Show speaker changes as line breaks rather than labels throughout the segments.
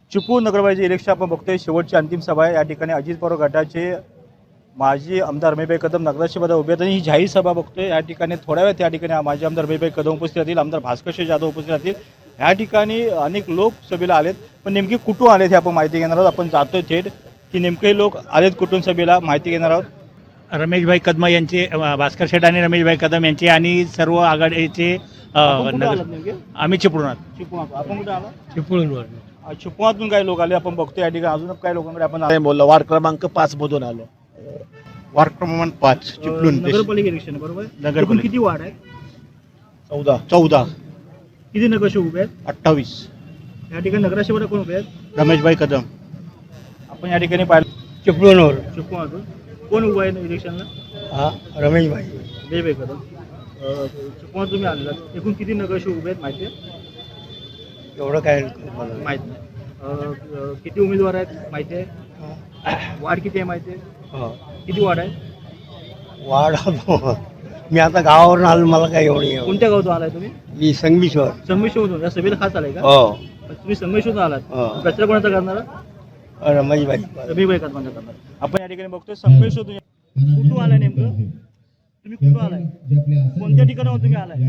चिपळूण नगरपालिकेचे इलेक्शन आपण बघतोय, शेवटची अंतिम सभा आहे। या ठिकाणी अजित पवार गटाचे माजी आमदार रमेशभाई कदम नगराध्यक्षपदावर उभे आहेत आणि ही जाहीर सभा बघतोय। या ठिकाणी थोड्या वेळात या ठिकाणी माजी आमदार रमेशभाई कदम उपस्थित राहतील, आमदार भास्कर जाधव उपस्थित राहतील। या ठिकाणी अनेक लोक सभेला आलेत, पण नेमके कुठून आलेत हे आपण माहिती घेणार आहोत। आपण जातोय थेट की नेमके लोक आलेत कुठून सभेला, माहिती घेणार आहोत।
रमेशभाई कदम यांचे, भास्कर शेठ आणि रमेशभाई कदम यांचे आणि सर्व आघाडीचे
आपण कुठं आलात नेमके?
आम्ही चिपळूणात.
चिपळूण। आपण कुठे आला?
चिपळूणवर.
चिपळूणातून काही लोक आले, आपण बघतोय। या ठिकाणी अजून काही लोकांकडे आपण
नाही बोललो, वार्ड क्रमांक 5 मधून आलो. वार्ड क्रमांक 5 चिपळूण
नगरपालिका इलेक्शन आहे, बरोबर?
नगरपालिका.
एकूण किती वार्ड आहेत?
14.
किती नगरसेवक उभे आहेत?
28.
या ठिकाणी नगराध्यक्षपदा कोण उभे आहेत?
रमेशभाई कदम.
आपण या ठिकाणी पाहिलं
चिपळूणवर.
चिपळूणातून कोण उभा आहे इलेक्शनला?
रमेशभाई.
रमेशभाई कदम। चिपळूणात तुम्ही आलेला, एकूण किती नगरसेवक उभे आहेत माहिती आहे?
एवढं काय
माहित नाही। किती उमेदवार आहेत माहिती आहे? वार्ड किती आहे माहिती आहे? किती वार्ड आहे?
वाढ मी आता गावावरून आलो, मला काय एवढी
कोणत्या गावातून आलाय तुम्ही?
मी संगमेश्वर.
संगमेश्वरमधून? या सभेला खास आलाय का?
हो.
तुम्ही संगमेश्वरमधून आलात,
हो.
कचरा कोणाचा करणार?
रमेशभाई.
रमेशभाई कदमांचा करणार। आपण या ठिकाणी बघतोय संगमेश्वरतून कुठून आलाय नेमकं? तुम्ही कुठून आलाय? कोणत्या ठिकाणावर तुम्ही आलाय?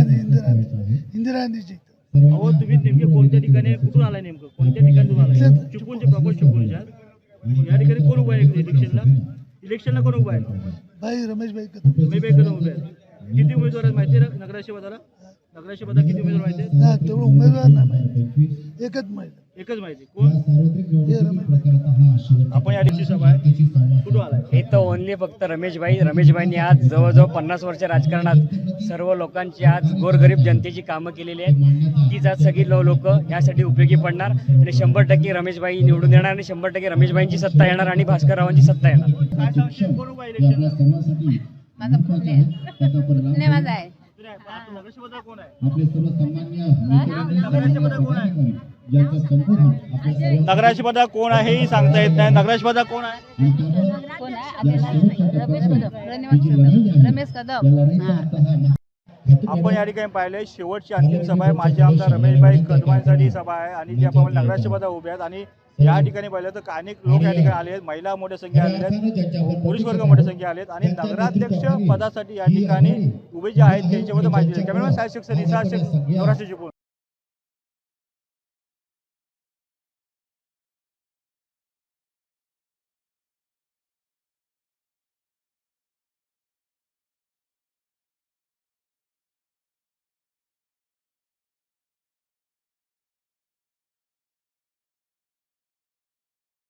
इंदिरा गांधीची.
अहो, तुम्ही नेमके कोणत्या ठिकाणी कुठून आलाय? नेमकं कोणत्या ठिकाणी तुम्ही आलाय? चिपळूणचे, प्रॉपर चिपळूणच्या। या ठिकाणी कोण उभा आहे इलेक्शनला कोण उभा आहे?
भाई रमेशभाई कदम.
रमेशभाई कदम उभे आहेत। किती उमेदवार आहेत माहिती आहे नगराध्यक्षपदाला? नगराध्यक्षपदा किती उमेदवार माहिती आहेत?
ना तेवढं उमेदवार नाही माहिती, एकच माहिती,
एकच माहिती। कोण?
हे रमेशभाई.
आपण या ठिकाणी सभा आहे, कुठून आलाय?
इथं ओनली फक्त रमेशभाईंनी आज जवळजवळ 50 वर्ष राजकारणात सर्व लोकांची, आज गोरगरीब जनतेची कामं केलेली आहेत। तीच आज सगळी लोक यासाठी उपयोगी पडणार आणि 100% रमेशभाई निवडून येणार आणि 100% रमेशभाईंची सत्ता येणार आणि भास्कररावांची सत्ता येणार।
काय सांगशील, कोण उभा आहे इलेक्शनला?
माझा पुणे माझा आहे.
आता नगराध्यक्षपदा कोण आहे? नगराध्यक्षपदा कोण आहे हे सांगता येत नाही। नगराध्यक्षपदा कोण आहे?
कोण आहे आपल्याला नाही. रमेश कदम.
आपण या ठिकाणी पाहिले, शेवटची अंतिम सभा आहे। माजी आमदार रमेशभाई कदमांसाठी सभा आहे आणि जे आपण नगराध्यक्षपदा उभे आहेत। आणि या ठिकाणी पाहिलं तर अनेक लोक या ठिकाणी आले आहेत, महिला मोठ्या संख्या आलेल्या आहेत, पुरुष वर्ग मोठ्या संख्या आलेत आणि नगराध्यक्ष पदासाठी या ठिकाणी उभे जे आहेत त्यांच्याबद्दल माहिती आहे। कॅमेरामॅन साहेब, निसार शेख, नवराष्ट्र चिपळूण।